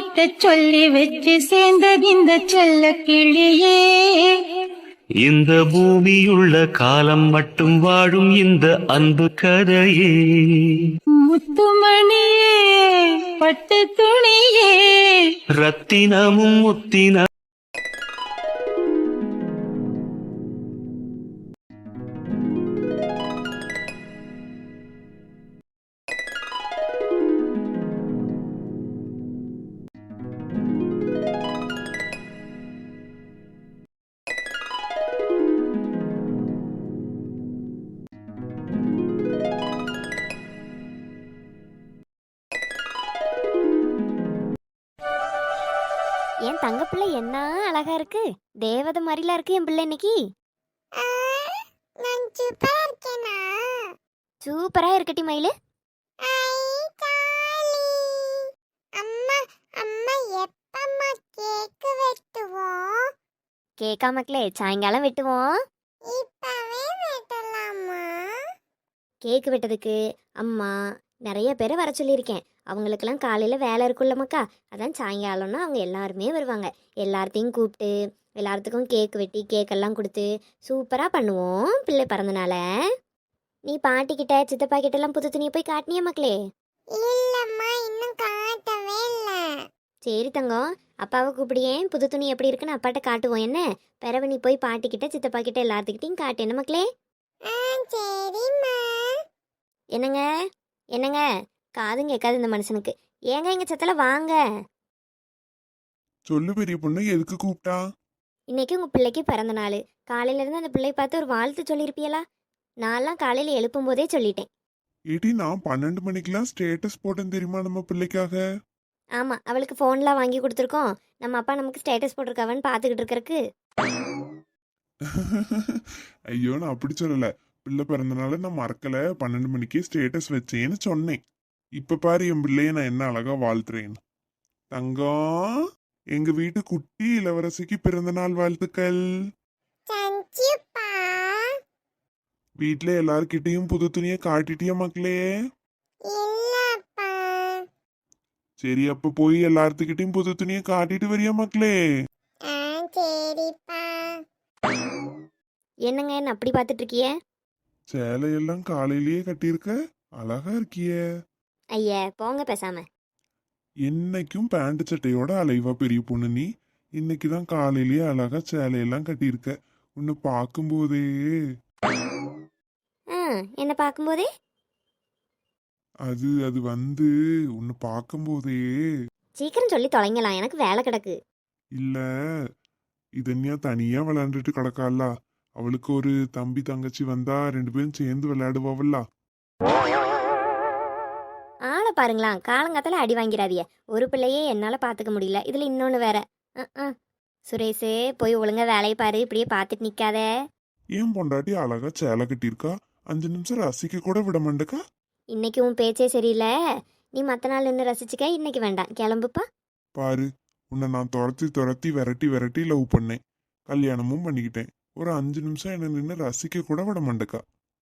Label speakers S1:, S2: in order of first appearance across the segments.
S1: கிட்ட சொல்லி வச்சு சேர்ந்தது இந்த செல்ல கிளியே.
S2: இந்த பூமியுள்ள காலம் மட்டும் வாழும் இந்த அன்பு கதையே.
S1: முத்துமணியே பட்டு துணியே
S2: ரத்தினமும் முத்தின
S3: என் தங்க பிள்ளை என்ன அழகா இருக்கு. தேவதை மாதிரிலாம் இருக்கு என் பிள்ளை இன்னைக்கு.
S4: நான் சூப்பரா இருக்கேனா?
S3: சூப்பரா இருக்கட்டி மயிலு.
S4: ஐ ஜாலி. அம்மா அம்மா எப்பம்மா கேக் வெட்டுவோம்?
S3: கேக்கா மக்களே, சாயங்காலம் வெட்டுவோம்.
S4: இப்பவே வெட்டலாமா?
S3: கேக்கு வெட்டதுக்கு அம்மா நிறைய பேரை வர சொல்லியிருக்கேன். அவங்களுக்கெல்லாம் காலையில் வேலை இருக்குல்ல மக்கா, அதான் சாயங்காலம்னா அவங்க எல்லாருமே வருவாங்க. எல்லார்த்தையும் கூப்பிட்டு எல்லாத்துக்கும் கேக் வெட்டி கேக்கெல்லாம் கொடுத்து சூப்பராக பண்ணுவோம் பிள்ளை பிறந்தனால. நீ பாட்டிக்கிட்ட சித்தப்பா கிட்டலாம் புது துணியை போய் காட்டினியா மக்களே?
S4: இல்லம்மா, இன்னும் காட்டவே இல்ல.
S3: சரி தங்கம், அப்பாவை கூப்பிடியேன். புது துணி எப்படி இருக்குன்னு அப்பாட்ட காட்டுவோம் என்ன. பிறவு நீ போய் பாட்டிக்கிட்ட சித்தப்பா கிட்ட எல்லாத்துக்கிட்டையும் காட்டு என்ன மக்களே.
S4: சரிம்மா.
S3: என்னங்க என்னங்க, காதும் கேட்காது இந்த மனுஷனுக்கு. ஏங்க எங்க சத்தல வாங்க.
S5: சொல்லு பெரிய பொண்ணு, எதுக்கு கூப்பிட்டா?
S3: இன்னைக்கு உங்க பிள்ளைக்கு பிறந்த நாள். காலையில இருந்து அந்த பிள்ளையை பார்த்து ஒரு வாழ்த்து சொல்லியிருப்பியலா? நான்லாம் காலையில எழுப்பும் போதே சொல்லிட்டேன்.
S5: ஏடி, நான் 12 மணிக்கெல்லாம் ஸ்டேட்டஸ் போட்டேன் தெரியுமா நம்ம பிள்ளைக்காக.
S3: ஆமா, அவளுக்கு ஃபோன்லாம் வாங்கி கொடுத்துருக்கோம். நம்ம அப்பா நமக்கு ஸ்டேட்டஸ் போட்டிருக்காவன்னு பார்த்துக்கிட்டு இருக்கறக்கு.
S5: ஐயோ, நான் அப்படி சொல்லல. பிள்ளை பிறந்தனால நான் மறக்கல, 12 மணிக்கே ஸ்டேட்டஸ் வச்சேன்னு சொன்னேன். இப்ப பாரு என் பிள்ளைய நான் என்ன அழகா வாழ்த்துறேன். தங்கம், எங்க வீட்டு குட்டி இளவரசிக்கு பிறந்த நாள் வாழ்த்துக்கள்.
S4: சஞ்சுப்பா.
S5: வீட்டுல எல்லார்கிட்டயும் புது துணியை காட்டிட்டியா மக்களே?
S4: இல்லப்பா.
S5: சரி, அப்ப போய் எல்லாத்துக்கிட்டையும் புது துணியை காட்டிட்டு வரியா மக்களே?
S4: சரிப்பா.
S3: என்னங்க என்ன அப்படி பார்த்துட்டு இருக்கிய?
S5: சேலையெல்லாம் காலையிலேயே கட்டியிருக்க, அழகா இருக்கிய.
S3: ஐயா போங்க பேசாம.
S5: என்னைக்கும் பேண்ட் சட்டையோட அலைவா பெரிய பொண்ணு நீ. இன்னைக்குதான் காலையிலேயே அழகா சேலையெல்லாம் கட்டியிருக்க. உன்னை பார்க்கும்போதே
S3: என்ன பார்க்கும்போதே
S5: அது அது வந்து உன்னை பார்க்கும்போதே.
S3: சீக்கிரம் சொல்லி தொலைங்கலாம், எனக்கு வேலை கிடக்கு.
S5: இல்ல, இதன்யா தனியா விளையாண்டுட்டு கிடக்கால. அவளுக்கு ஒரு தம்பி தங்கச்சி வந்தா 2 பேரும் சேர்ந்து விளையாடுவாவல்ல.
S3: ஆளை பாருங்களா, காலங்காத்தால அடி வாங்கிறாதிய. ஒரு பிள்ளையே என்னால பாத்துக்க முடியல, இதுல இன்னொன்னு வேற. சுரேஷ், போய் ஒழுங்கா வேலையை பாரு, இப்படியே பார்த்துட்டு நிக்காத.
S5: ஏன் பொண்டாட்டி அழகா சேலை கட்டியிருக்கா, 5 நிமிஷம் ரசிக்க கூட விட மாட்டேக்கா.
S3: இன்னைக்கு உன் பேச்சே சரியில்லை. நீ மற்ற நாள் நின்று ரசிச்சுக்க, இன்னைக்கு வேண்டாம், கிளம்புப்பா.
S5: பாரு, உன்னை நான் துரத்தி துரத்தி விரட்டி விரட்டி லவ் பண்ணேன், கல்யாணமும் பண்ணிக்கிட்டேன். ஒரு 5 நிமிஷம் என்ன நின்று ரசிக்க கூட விட மாட்டேக்கா.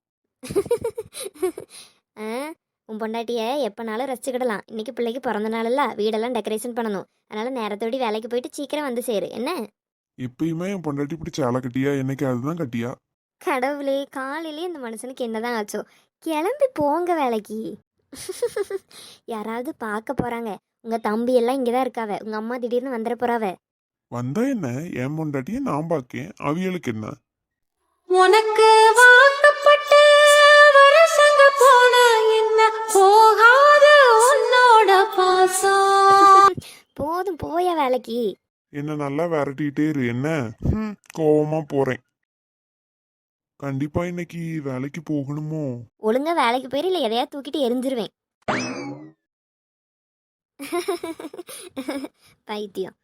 S3: உன் பொண்டாட்டிய எப்போனாலும் ரசிச்சுக்கிடலாம். இன்னைக்கு பிள்ளைக்கு பிறந்த நாளல்ல, வீடெல்லாம் டெக்கரேஷன் பண்ணணும். அதனால நேரத்தோடி வேலைக்கு போயிட்டு சீக்கிரம் வந்து சேரு என்ன.
S5: எப்பயுமே என் பொண்டாட்டி இப்படி சேலை கட்டியா, என்னைக்கு அதுதான் கட்டியா?
S3: கடவுளே, காலையிலே இந்த மனுஷனுக்கு என்னதான் ஆச்சோ. கிளம்பி போங்க வேலைக்கு. யாராவது பார்க்க போறாங்க. உங்க தம்பி எல்லாம் இங்கதான் இருக்காவ, உங்க அம்மா திடீர்னு வந்துட போறாவ.
S5: வந்தா என்ன, என் பொண்டாட்டிய நான் பாக்கேன், அவியலுக்கு என்ன?
S1: உனக்கு வாக்கப்பட்டு வருஷங்க போன என்ன போகாத உன்னோட பாசம்.
S3: போதும் போய வேலைக்கு.
S5: என்ன நல்லா விரட்டிட்டே இரு என்ன. கோவமா போறேன். கண்டிப்பா இன்னைக்கு வேலைக்கு போகணுமோ?
S3: ஒழுங்கா வேலைக்கு போயிரு, இல்ல எதையா தூக்கிட்டு எரிஞ்சிருவேன். பைத்தியம்.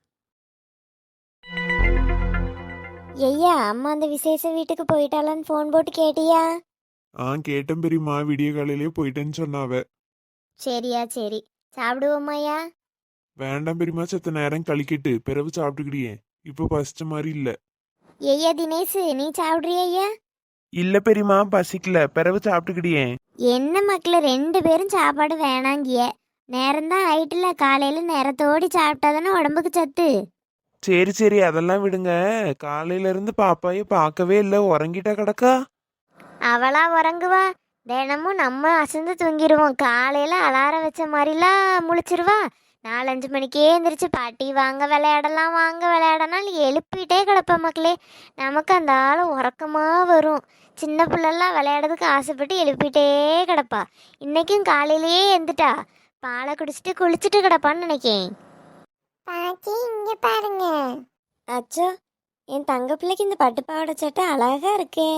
S3: ஐயா, அம்மா அந்த விசேஷ வீட்டுக்கு போயிட்டாலான்னு ஃபோன் போட்டு கேட்டியா?
S5: கேட்டேன் பெரியம்மா, விடிய காலையிலேயே போயிட்டேன்னு சொன்னாவ.
S3: சரியா சரி, சாப்பிடுவோமாயா?
S5: வேண்டாம் பெரியம்மா, செத்த நேரம் கழிக்கிட்டு பிறகு சாப்பிட்டுக்கிடியே, இப்ப பசிச்ச மாதிரி இல்ல.
S3: ஐயா தினேஷ், நீ சாப்பிட்றியா ஐயா?
S5: இல்ல பெரியம்மா, பசிக்கல, பிறகு சாப்பிட்டுக்கிடியே.
S3: என்ன மக்கள் 2 பேரும் சாப்பாடு வேணாங்கிய, நேரம்தான் ஆயிட்டுல, காலையில நேரத்தோடி சாப்பிட்டா தானே உடம்புக்கு சத்து.
S6: சரி சரி அதெல்லாம் விடுங்க. காலையில இருந்து பாப்பாயை பார்க்கவே இல்லை, உறங்கிட்டா கிடக்கா?
S3: அவளா உறங்குவா? தினமும் நம்ம அசந்து தூங்கிடுவோம். காலையில அலாரம் வச்ச மாதிரிலாம் முழிச்சிருவா. 4-5 மணிக்கே எந்திரிச்சு பாட்டி வாங்க விளையாடலாம் வாங்க விளையாடனாலும் எழுப்பிட்டே கிடப்ப மக்களே. நமக்கு அந்த ஆள் உறக்கமா வரும். சின்ன பிள்ளைலாம் விளையாடுறதுக்கு ஆசைப்பட்டு எழுப்பிட்டே கிடப்பா. இன்னைக்கும் காலையிலேயே எந்துட்டா. பாலை குடிச்சிட்டு குளிச்சுட்டு கிடப்பான்னு நினைக்கேன்.
S4: பாட்டி இங்க பாருங்க.
S3: அச்சோ, என் தங்க பிள்ளைக்கு இந்த பட்டுப்பாவாடை சட்டை அழகா இருக்கே.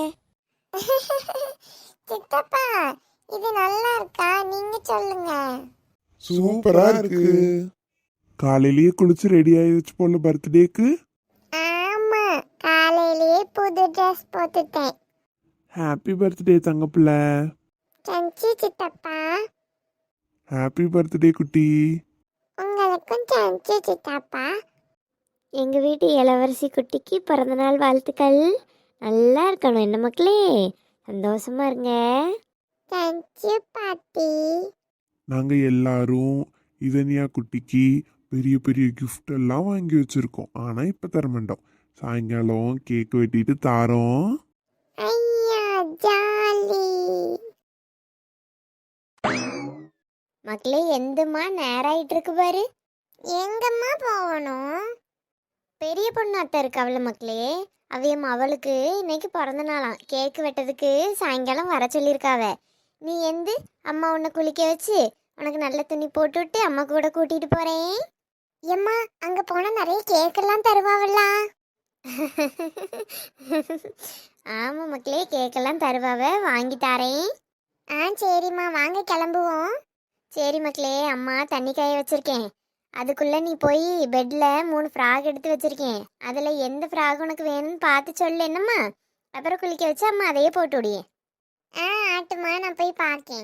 S4: சித்தப்பா இது நல்லா இருக்கா? நீங்க சொல்லுங்க.
S5: சூப்பரா இருக்கு. காலையிலேயே குளிச்சு ரெடி ஆயிடுச்சு போல பர்த்டேக்கு.
S4: ஆமா, காலையிலேயே புது ட்ரெஸ் போட்டுட்டேன்.
S5: Happy birthday தங்கப்பிள்ள.
S4: சஞ்சு சித்தப்பா,
S5: ஹாப்பி பர்த்டே குட்டி.
S4: உங்களுக்கும் சஞ்சு சித்தப்பா.
S3: எங்க வீட்டு இளவரசி குட்டிக்கு பிறந்தநாள் வாழ்த்துக்கள். நல்லா இருக்கணும் என்ன மக்களே, சந்தோஷமா இருங்க.
S4: சஞ்சு பாட்டி.
S5: நாங்க எல்லாரும் இதனியா குட்டிக்கு பெரிய பெரிய கிஃப்ட் எல்லாம் வாங்கி வச்சிருக்கோம். ஆனா இப்ப தர மாட்டோம். சாயங்காலம் கேக் வெட்டிட்டு தாரோம்.
S4: ஐயா ஜாலி.
S3: மக்களே, எந்தம்மா நேரம் ஆயிட்டு இருக்கு பாரு.
S4: எங்கம்மா போகணும்?
S3: பெரிய பொண்ணு அத்தை இருக்கு அவள மக்களே. அவையம் அவளுக்கு இன்னைக்கு பிறந்த நாளாம். கேக்கு வெட்டதுக்கு சாயங்காலம் வர சொல்லியிருக்காவ. நீ எந்து அம்மா உன்னை குளிக்க வச்சு உனக்கு நல்ல துணி போட்டு விட்டு அம்மா கூட கூட்டிட்டு போறேன்.
S4: எம்மா, அங்க போனா நிறைய கேக் எல்லாம் தருவாவல்ல?
S3: ஆமா மக்களே, கேக்கெல்லாம் தருவாவ, வாங்கி தாரேன்.
S4: சரிம்மா, வாங்க கிளம்புவோம்.
S3: சரி மக்களே, அம்மா தண்ணி காய வச்சிருக்கேன். அதுக்குள்ள நீ போய் பெட்ல 3 ஃப்ராக் எடுத்து வச்சிருக்கேன். அதுல எந்த ஃப்ராக் உனக்கு வேணும்னு பார்த்து சொல்லு என்னம்மா. அப்புறம் குளிக்க வச்சு அம்மா அதையே போட்டு விடியே.
S4: ஆட்டுமா, நான் போய் பார்க்கேன்.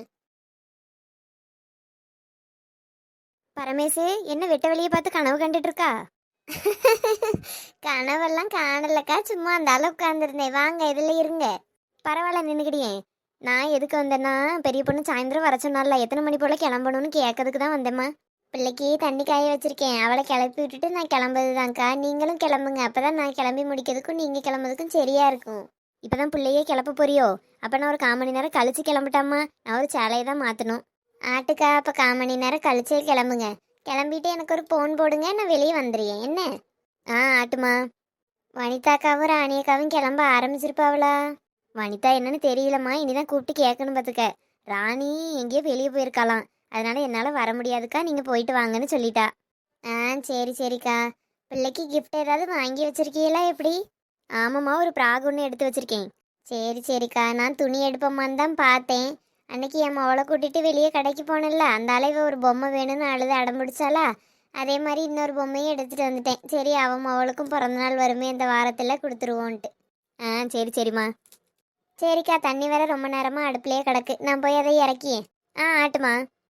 S3: பரமேசு, என்ன வெட்ட வெளியே பார்த்து கனவு கண்டுட்டு இருக்கா? கனவெல்லாம் காணலக்கா, சும்மா அந்த அளவு உட்காந்துருந்தேன். வாங்க இதுல இருங்க. பரவாயில்ல, நின்னுக்கிடியே. நான் எதுக்கு வந்தேன்னா, பெரிய பொண்ணு சாயந்தரம் வர சொன்னால, எத்தனை மணி போல கிளம்பணும்னு கேட்கறதுக்கு தான் வந்தேம்மா. பிள்ளைக்கு தண்ணி காய வச்சிருக்கேன். அவளை கிளப்பி விட்டுட்டு நான் கிளம்புறதுதான்க்கா. நீங்களும் கிளம்புங்க, அப்பதான் நான் கிளம்பி முடிக்கிறதுக்கும் நீங்க கிளம்புறதுக்கும் சரியா இருக்கும். இப்பதான் பிள்ளையே கிளப்ப போறியோ? அப்ப நான் ஒரு 1/4 மணி நேரம் கழிச்சு கிளம்பிட்டாம்மா. நான் ஒரு சேலையை தான் மாத்தணும். ஆட்டுக்கா, அப்ப 1/4 மணி நேரம் கழிச்சே கிளம்புங்க. கிளம்பிட்டு எனக்கு ஒரு போன் போடுங்க, நான் வெளியே வந்துடுறேன் என்ன. ஆட்டுமா. வனிதாக்காவும் ராணியக்காவும் கிளம்ப ஆரம்பிச்சிருப்பாவளா? வனிதா என்னன்னு தெரியலம்மா, இனிதான் கூப்பிட்டு கேட்கணும் பார்த்துக்க. ராணி எங்கேயோ வெளியே போயிருக்காளாம், அதனால என்னால் வர முடியாதுக்கா, நீங்கள் போயிட்டு வாங்கன்னு சொல்லிட்டா. சரி சரிக்கா. பிள்ளைக்கு கிஃப்ட் ஏதாவது வாங்கி வச்சிருக்கீங்களா எப்படி? ஆமாம்மா, ஒரு ப்ராக் ஒன்று எடுத்து வச்சிருக்கேன். சரி சரிக்கா, நான் துணி எடுப்போம்மான்னு தான் பார்த்தேன். அன்னைக்கு என் மவளை கூட்டிட்டு வெளியே கடைக்கு போனேன்ல, அந்த அளவு ஒரு பொம்மை வேணும்னு அழுது அடம்பிடிச்சாலா, அதே மாதிரி இன்னொரு பொம்மையும் எடுத்துகிட்டு வந்துட்டேன். சரி, அவன் மவளுக்கும் பிறந்தநாள் வருமே இந்த வாரத்தில் கொடுத்துருவோன்ட்டு. சரி சரிம்மா. சரிக்கா, தண்ணி வேற ரொம்ப நேரமாக அடுப்புலேயே கிடக்கு, நான் போய் அதை இறக்கியேன். ஆட்டுமா.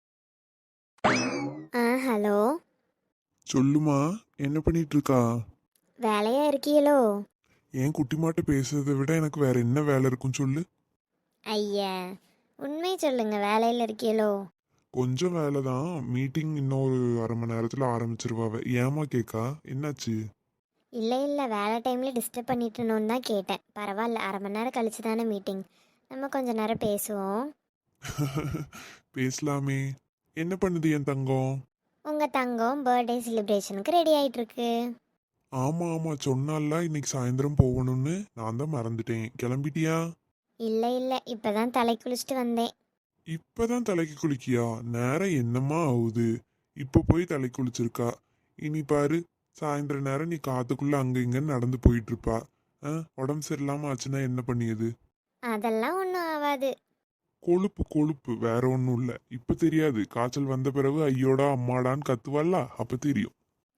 S3: ஹலோ.
S5: சொல்லுமா, என்ன பண்ணிட்டு இருக்கா?
S3: வேலையா இருக்கீங்களோ?
S5: என் குட்டி மாட்ட பேசுறதை விட எனக்கு வேற என்ன வேலை இருக்கும் சொல்லு.
S3: ஐயா, உண்மை சொல்லுங்க, வேலையில் இருக்கீங்களோ?
S5: கொஞ்சம் வேலை தான். மீட்டிங் இன்னொரு 1/2 மணி நேரத்துல ஆரம்பிச்சிருவாவ. ஏமா கேக்கா, என்னாச்சு?
S3: இல்லை இல்லை, வேலை டைமில் டிஸ்டர்ப் பண்ணிட்டுனோன்னு தான் கேட்டேன். பரவாயில்ல, 1/2 மணி நேரம் கழிச்சு தானே மீட்டிங், நம்ம கொஞ்ச நேரம் பேசுவோம்.
S5: பேசலாமே. என்ன பண்ணுது என் தங்கம்?
S3: உங்கள் தங்கம் பர்த்டே செலிப்ரேஷனுக்கு ரெடி ஆகிட்டுருக்கு.
S5: ஆமா ஆமா, சொன்னால இன்னைக்கு சாயந்தரம் போகணும்னு. நான் தான் மறந்துட்டேன். கிளம்பிட்டியா?
S3: இல்லை இல்லை, இப்போ தான் தலை குளிச்சுட்டு வந்தேன்.
S5: இப்பதான் தலைக்கு குளிக்கியா? நேரம் என்னம்மா ஆகுது? இப்ப போய் தலை குளிச்சிருக்கா. இனி பாரு, சாயந்தர நேரம் நீ காத்துக்குள்ள அங்க இங்கன்னு நடந்து போயிட்டு இருப்பா. உடம்பு சரியில்லாம ஆச்சுன்னா என்ன பண்ணியது?
S3: அதெல்லாம் ஒன்றும் ஆகாது.
S5: கொழுப்பு கொழுப்பு, வேற ஒன்றும் இல்லை. இப்ப தெரியாது, காய்ச்சல் வந்த பிறகு ஐயோடா அம்மாடான்னு கத்துவாள்ல, அப்ப தெரியும்.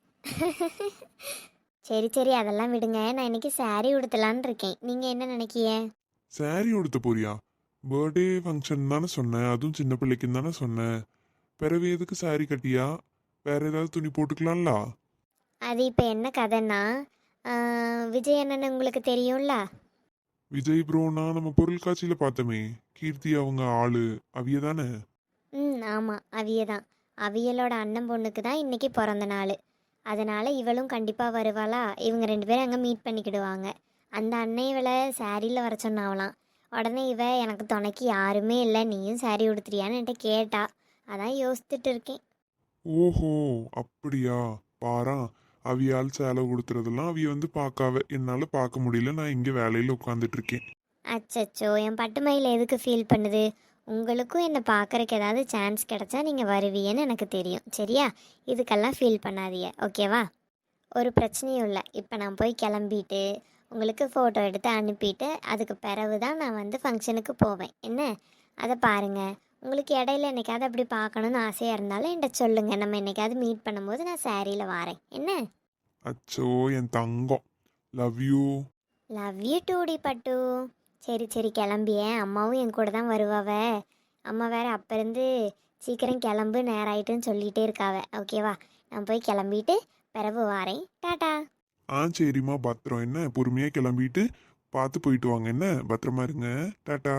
S3: சரி சரி, அதெல்லாம் விடுங்க. நான் இன்னைக்கு saree உடுத்தலான்னு இருக்கேன். நீங்கள் என்ன நினைக்கிய?
S5: சாரி உடுத்த போறியா? பர்த்டே ஃபங்க்ஷன் தானே சொன்னேன், அதுவும் சின்ன பிள்ளைக்குன்னு தானே சொன்னேன். பிறகு எதுக்கு சாரி கட்டியா? வேற ஏதாவது துணி போட்டுக்கலாம்ல?
S3: அது இப்போ என்ன கதைன்னா, விஜய் அண்ணன் உங்களுக்கு தெரியும்ல?
S5: விஜய் ப்ரோனா நம்ம பொருள் காட்சியில பார்த்தோமே, கீர்த்தி அவங்க ஆளு அவிய தானே?
S3: ஆமாம், அவிய தான். அவியலோட அண்ணன் பொண்ணுக்கு தான் இன்னைக்கு பிறந்த நாள். அதனால் இவளும் கண்டிப்பாக வருவாளா. இவங்க 2 பேரும் அங்கே மீட் பண்ணிக்கிடுவாங்க. அந்த அண்ணன் இவளை சாரியில் வர சொன்னாவலாம். உடனே இவ எனக்கு துணைக்கு யாருமே இல்லை, நீயும் சாரி உடுத்துறியான்னு என்கிட்ட கேட்டா. அதான் யோசிச்சுட்டு இருக்கேன்.
S5: ஓஹோ, அப்படியா? பாரா, அவியால் சேலை கொடுத்துறதெல்லாம் அவிய வந்து பார்க்காவ, என்னால பார்க்க முடியல. நான் இங்க வேலையில உட்காந்துட்டு இருக்கேன்.
S3: அச்சச்சோ, என் பட்டுமயில் எதுக்கு ஃபீல் பண்ணுது? உங்களுக்கும் என்னை பார்க்குறக்கு ஏதாவது சான்ஸ் கிடைச்சா நீங்கள் வருவீன்னு எனக்கு தெரியும். சரியா? இதுக்கெல்லாம் ஃபீல் பண்ணாதீங்க, ஓகேவா? ஒரு பிரச்சனையும் இல்லை. இப்போ நான் போய் கிளம்பிட்டு உங்களுக்கு ஃபோட்டோ எடுத்து அனுப்பிட்டு அதுக்கு பிறகு தான் நான் வந்து ஃபங்க்ஷனுக்கு போவேன். என்ன, அதை பாருங்கள். உங்களுக்கு இடையில என்னைக்காவது அப்படி பார்க்கணுன்னு ஆசையாக இருந்தாலும் என்கிட்ட சொல்லுங்கள். நம்ம என்னைக்காவது மீட் பண்ணும்போது நான் சாரியில் வாரேன். என்ன?
S5: அச்சோ என் தங்கம், லவ் யூ.
S3: லவ் யூ டூடி பட்டு. சரி சரி, கிளம்பியேன். அம்மாவும் என் கூட தான் வருவாவ. அம்மா வேற அப்போ இருந்து சீக்கிரம் கிளம்பு, நேரம் ஆயிட்டுன்னு சொல்லிகிட்டே இருக்காவ. ஓகேவா? நான் போய் கிளம்பிட்டு பிறகு வாரேன். டாட்டா.
S5: சரிம்மா, பத்திரம். என்ன, பொறுமையா கிளம்பிட்டு பார்த்து போயிட்டு வாங்க. என்ன, பத்திரமா இருங்க. டாட்டா.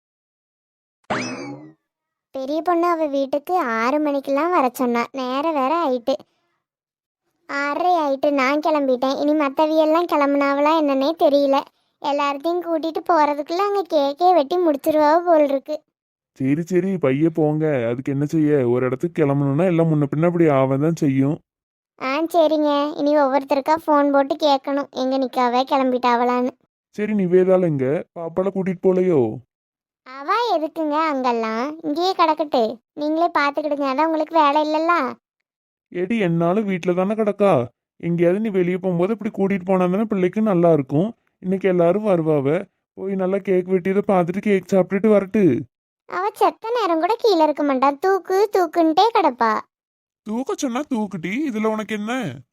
S4: பெரிய பொண்ணு அவ வீட்டுக்கு 6 மணிக்கெல்லாம் வர சொன்னா. நேரம் வேற ஆயிட்டு, 6:30 ஆயிட்டு. நான் கிளம்பிட்டேன். இனி மற்றவியெல்லாம் கிளம்புனாவளா என்னன்னே தெரியல. எல்லார்த்தையும் கூட்டிட்டு போறதுக்குள்ள அங்கே கேக்கே வெட்டி முடிச்சிருவா போல் இருக்கு.
S5: சரி சரி, பைய போங்க. அதுக்கு என்ன செய்ய, ஒரு இடத்துக்கு கிளம்பணும்னா எல்லாம் முன்ன பின்ன அப்படி ஆவதான் செய்யும்.
S4: சரிங்க. இனி ஒவ்வொருத்தருக்கா ஃபோன் போட்டு கேட்கணும் எங்க நிக்காவே கிளம்பிட்டாவலான்னு.
S5: சரி, நிவேதால எங்க? பாப்பால கூட்டிட்டு போலையோ?
S4: அவ எதுக்குங்க அங்கெல்லாம், இங்கேயே கிடக்கட்டு. நீங்களே பார்த்துக்கிடுங்க, அதான் உங்களுக்கு வேலை இல்லைல்ல.
S5: ஏடி, என்னாலும் வீட்டில் தானே கிடக்கா. எங்கேயாவது நீ வெளியே போகும்போது இப்படி கூட்டிட்டு போனா தானே பிள்ளைக்கு நல்லா இருக்கும். இன்னைக்கு எல்லாரும் வருவாவ. போய் நல்லா கேக் வெட்டியதை பார்த்துட்டு கேக் சாப்பிட்டுட்டு வரட்டு.
S4: அவ செத்த நேரம் கூட கீழே இருக்க மாட்டா. தூக்கு தூக்குன்ட்டே கிடப்பா.
S5: தூக்க சொன்னா தூக்குட்டி, இதுல உனக்கு என்ன?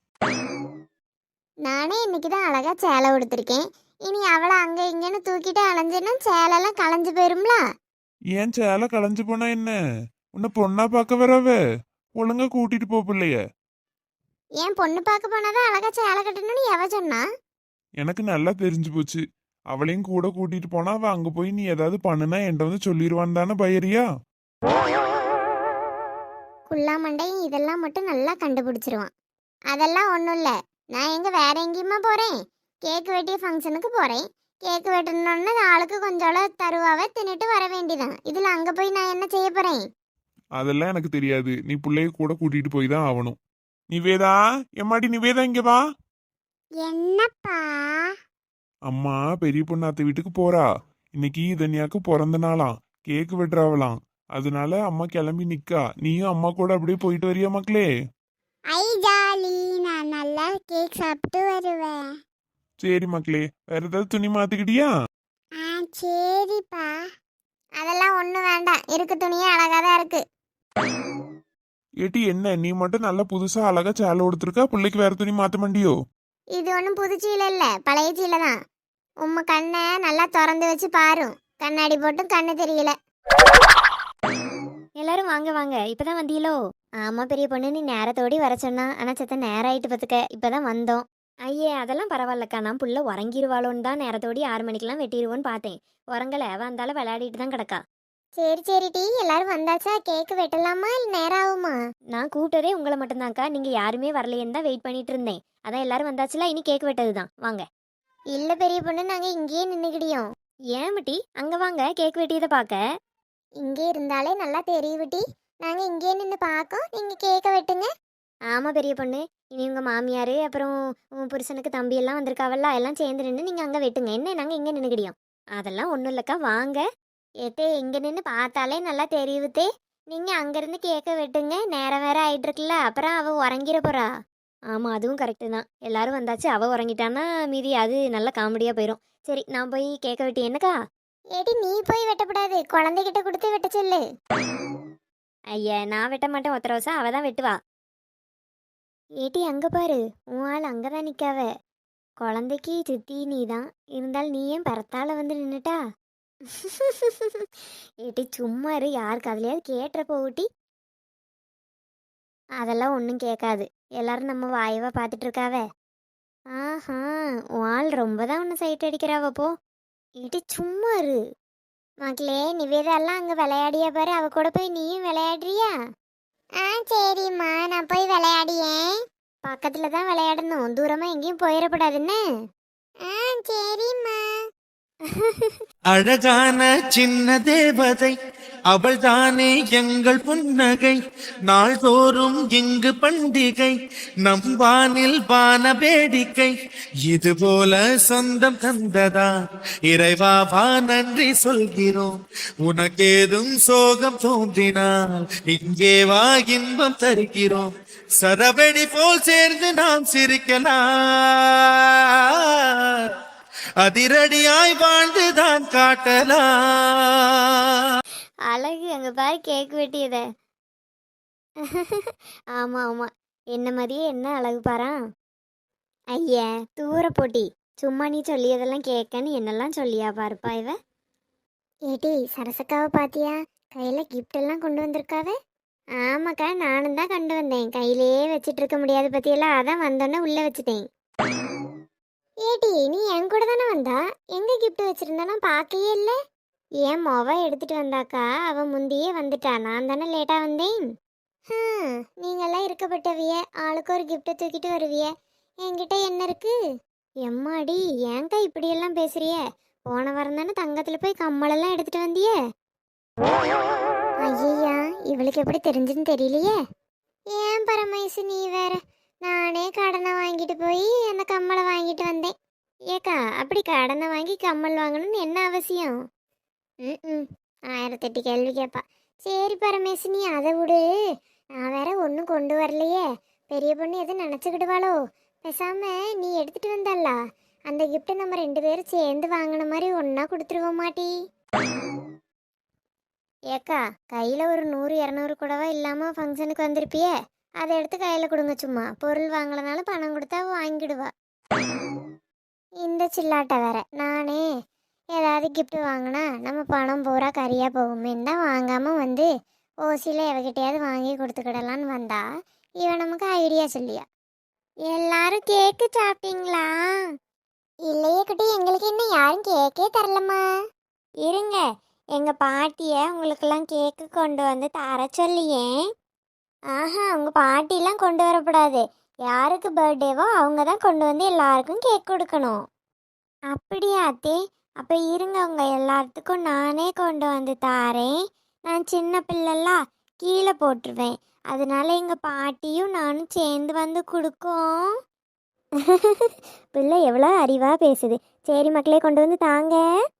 S4: நானே இன்னைக்கு தான் அழகா சேலை உடுத்திருக்கேன். இனி அவளை அங்க இங்கன்னு தூக்கிட்டு அலைஞ்சேன்னா சேலெல்லாம் களைஞ்சு போயிரும்ல.
S5: ஏன் சேலை களைஞ்சு போனா என்ன? உன்னை பொண்ணா பார்க்க வரவ. ஒழுங்கா கூட்டிட்டு போ பிள்ளைய.
S4: ஏன் பொண்ணு பார்க்க போனாதான் அழகா சேலை கட்டணும்னு எவ சொன்னா?
S5: எனக்கு நல்லா தெரிஞ்சு போச்சு. அவளையும் கூட கூட்டிட்டு போனா அவ அங்க போய் நீ ஏதாவது பண்ணுனா என்கிட்ட வந்து சொல்லிடுவான்னு தானே பயரியா?
S4: குள்ளா மண்டையும் இதெல்லாம் மட்டும் நல்லா கண்டுபிடிச்சிருவான். அதெல்லாம் ஒன்றும் இல்லை. நான் எங்க வேற எங்கேயுமா போறேன்? கேக்கு வெட்டிய ஃபங்க்ஷனுக்கு போறேன். கேக்கு வெட்டணும்னு ஆளுக்கு கொஞ்சம் தருவாவே தின்னுட்டு வர வேண்டியதான். இதுல அங்க போய் நான் என்ன செய்ய போறேன்?
S5: அதெல்லாம் எனக்கு தெரியாது. நீ பிள்ளைய கூட கூட்டிட்டு போய் தான் ஆகணும். நிவேதா, எம்மாடி நிவேதா, இங்க வா.
S4: என்னப்பா?
S5: அம்மா பெரிய பொண்ணாத்த வீட்டுக்கு போறா. இன்னைக்கு இதன்யாக்கு பிறந்த நாளாம். கேக்கு வெட்டுறாவலாம். அதனால அம்மா கிளம்பி நிக்கா. நீயும் அம்மா கூட அப்படியே போயிட்டு வரியா மக்களே?
S4: ஐ ஜாலி, நான் நல்லா கேக் சாப்பிட்டு வருவேன்.
S5: சரி மக்களே, வேற ஏதாவது துணி மாத்திக்கிட்டியா?
S4: சரிப்பா. அதெல்லாம் ஒன்றும் வேண்டாம், இருக்கு துணியே அழகா தான் இருக்கு.
S5: ஏட்டி, என்ன நீ மட்டும் நல்லா புதுசா அழகா சேலை கொடுத்துருக்கா, பிள்ளைக்கு வேற துணி மாத்த மாட்டியோ?
S4: இது ஒன்றும் புது சீலை இல்லை, பழைய சீலை தான். உம்ம கண்ணை நல்லா திறந்து வச்சு பாரு. கண்ணாடி போட்டும் கண்ணு தெரியல.
S3: எல்லாரும் வாங்க வாங்க, இப்பதான் வந்தீங்களோ? ஆமா பெரிய பொண்ணு, நீ நேரத்தோடி வர சொன்னா. ஆனா செத்த நேரம் ஆயிட்டு பார்த்துக்க. இப்பதான் வந்தோம். ஐயே, அதெல்லாம் பரவாயில்லக்கா. நான் புள்ள உறங்கிருவாளோன்னு தான் நேரத்தோடி 6 மணிக்கெல்லாம் வெட்டிடுவோன்னு பார்த்தேன். உறங்கலை, வந்தாலும் விளையாடிட்டு தான் கிடக்கா.
S4: சரி சரி டி, எல்லாரும் வந்தாச்சா? கேக்கு வெட்டலாமா இல்லை நேரம் ஆகுமா?
S3: நான் கூப்பிட்டதே உங்களை மட்டும்தான்க்கா. நீங்க யாருமே வரலையேன்னு தான் வெயிட் பண்ணிட்டு இருந்தேன். அதான் எல்லாரும் வந்தாச்சுல, இனி கேக் வெட்டது தான். வாங்க.
S4: இல்லை பெரிய பொண்ணு, நாங்கள் இங்கேயே நின்றுக்கிடியோம்.
S3: ஏன் மட்டி, அங்க வாங்க கேக் வெட்டியதை பார்க்க.
S4: இங்கே இருந்தாலே நல்லா தெரியும் டி. நாங்கள் இங்கேயே நின்று பார்க்கோம், நீங்கள் கேக்க வெட்டுங்க.
S3: ஆமா பெரிய பொண்ணு, இனி உங்க மாமியார் அப்புறம் உன் புருஷனுக்கு தம்பி எல்லாம் வந்திருக்காவல்ல, எல்லாம் சேர்ந்து நின்று நீங்க அங்க வெட்டுங்க. என்ன, நாங்க இங்க நின்றுக்கிடியோம். அதெல்லாம் ஒன்றும் இல்லைக்கா, வாங்க. ஏத்தே, இங்க நின்று பார்த்தாலே நல்லா தெரியுதே. நீங்க அங்கிருந்து கேக்க வெட்டுங்க. நேரம் வேற ஆயிட்டு இருக்குல்ல, அப்புறம் அவ உறங்கிட போறா. ஆமா, அதுவும் கரெக்டு தான். எல்லாரும் வந்தாச்சு, அவ உறங்கிட்டான்னா மீதி அது நல்ல காமெடியா போயிடும். சரி, நான் போய் கேக்க வெட்டி என்னக்கா?
S4: ஏடி, நீ போய் வெட்டக்கூடாது, குழந்தைகிட்ட கொடுத்து வெட்ட சொல்லு.
S3: ஐயா, நான் வெட்ட மாட்டேன். ஒத்த ரோசா அவ தான் வெட்டுவா. ஏட்டி, அங்க பாரு, உன் ஆள் அங்கதான் நிக்காவ. குழந்தைக்கு சித்தி நீ தான் இருந்தாலும் நீ ஏன் பரத்தால வந்து நின்னுட்டா? ஏட்டி சும்மா இரு, யாருக்கு அதுலயாவது கேட்டுற போட்டி. அதெல்லாம் ஒன்றும் கேட்காது. எல்லாரும் நம்ம வாயவா பார்த்துட்டு இருக்காவ. ஆஹா, உன் ஆள் ரொம்ப தான் உன்னை சைட் அடிக்கிறாவ போ. ஏட்டி சும்மா இரு. மக்களே, நிவேதாலாம் அங்கே விளையாடியா பாரு, அவ கூட போய் நீயும் விளையாடுறியா?
S4: ஆ சரிம்மா, நான் போய் விளையாடியேன். பக்கத்துல தான் விளையாடணும், தூரமா எங்கேயும் போயிடக்கூடாதுன்னு. ஆ சரிம்மா.
S7: அழகான சின்ன தேவதை அவள் தானே எங்கள் புன்னகை, நாள்தோறும் இங்கு பண்டிகை, நம் வானில் வான வேடிக்கை, இது போல சொந்தம் தந்ததா இறைவா வா நன்றி சொல்கிறோம், உனக்கேதும் சோகம் தோன்றினால் இங்கே வா இன்பம் தருகிறோம், சரவெடி போல் சேர்ந்து நாம் சிரிக்கலாம், அதிரடியாய் வாழ்ந்துதான் காட்டலாம்.
S3: அழகு அங்கே பாரு கேக் வெட்டியத. ஆமாம் ஆமாம், என்ன மாதிரியே என்ன அழகு பாரா. ஐயா தூர போட்டி, சும்மா நீ சொல்லியதெல்லாம் கேட்கன்னு என்னெல்லாம் சொல்லியா பாருப்பா இவ.
S4: ஏடி சரசக்காவை பாத்தியா? கையில கிஃப்ட் எல்லாம் கொண்டு வந்திருக்காவே.
S3: ஆமாக்கா, நானும் தான் கொண்டு வந்தேன். கையிலேயே வச்சிட்டு இருக்க முடியாது பற்றியெல்லாம், அதான் வந்தோன்னே உள்ளே வச்சுட்டேன்.
S4: ஏடி நீ என் கூட தானே வந்தா, எங்க கிஃப்ட் வச்சிருந்தானா பார்க்கவே இல்லை.
S3: ஏன் மொவ எடுத்துட்டு வந்தாக்கா, அவன் முந்தியே வந்துட்டா, நான் தானே லேட்டாக வந்தேன்.
S4: நீங்கெல்லாம் இருக்கப்பட்டவிய, ஆளுக்கு ஒரு கிஃப்ட்டை தூக்கிட்டு வருவிய, என்கிட்ட என்ன இருக்கு?
S3: எம்மாடி ஏன்க்கா இப்படியெல்லாம் பேசுறிய? போன வாரம் தானே தங்கத்தில் போய் கம்மலெல்லாம் எடுத்துட்டு வந்தியே.
S4: ஐயா இவளுக்கு எப்படி தெரிஞ்சுன்னு தெரியலையே. ஏன் பரமேசு நீ வேற, நானே கடனை வாங்கிட்டு போய் அந்த கம்மலை வாங்கிட்டு வந்தேன்.
S3: ஏக்கா அப்படி கடனை வாங்கி கம்மல் வாங்கணும்னு என்ன அவசியம்?
S4: ம் 1008 கேள்வி கேட்பா. சரி பரமேசு நீ அதை விடு, நான் வேற ஒன்றும் கொண்டு வரலையே, பெரிய பொண்ணு எதுவும் நினச்சிக்கிடுவாளோ. பேசாம நீ எடுத்துட்டு வந்தால அந்த கிஃப்ட்டை நம்ம 2 பேரும் சேர்ந்து வாங்கின மாதிரி ஒன்றா கொடுத்துருவோம் மாட்டி.
S3: ஏக்கா கையில் ஒரு 100-200 கூடவா இல்லாமல் ஃபங்க்ஷனுக்கு வந்திருப்பியே, அதை எடுத்து கையில் கொடுங்க. சும்மா பொருள் வாங்கலனாலும் பணம் கொடுத்தா வாங்கிடுவா.
S4: இந்த சில்லாட்டை வேற, நானே ஏதாவது கிஃப்ட் வாங்கினா நம்ம பணம் பூரா கறியாக போகுமேன்னு தான் வாங்காமல் வந்து ஓசியில் எவகிட்டையாவது வாங்கி கொடுத்துக்கிடலான்னு வந்தா, இவன் நமக்கு ஐடியா சொல்லியா.
S3: எல்லாரும் கேக்கு சாப்பிட்டீங்களா?
S4: இல்லையே குட்டி, எங்களுக்கு இன்னும் யாரும் கேக்கே தரலம்மா.
S3: இருங்க, எங்கள் பாட்டியை உங்களுக்கெல்லாம் கேக்கு கொண்டு வந்து தர சொல்லியே. உங்கள் பாட்டிலாம் கொண்டு வரக்கூடாது, யாருக்கு பர்த்டேவோ அவங்க தான் கொண்டு வந்து எல்லாருக்கும் கேக் கொடுக்கணும். அப்படியா அத்தே? அப்போ இருங்க, உங்கள் எல்லாத்துக்கும் நானே கொண்டு வந்து தாரேன். நான் சின்ன பிள்ளைலாம் கீழே போட்டுருவேன், அதனால எங்கள் பாட்டியும் நானும் சேர்ந்து வந்து கொடுக்கோம். பிள்ளை எவ்வளோ அறிவாக பேசுது. சரி மக்களே, கொண்டு வந்து தாங்க.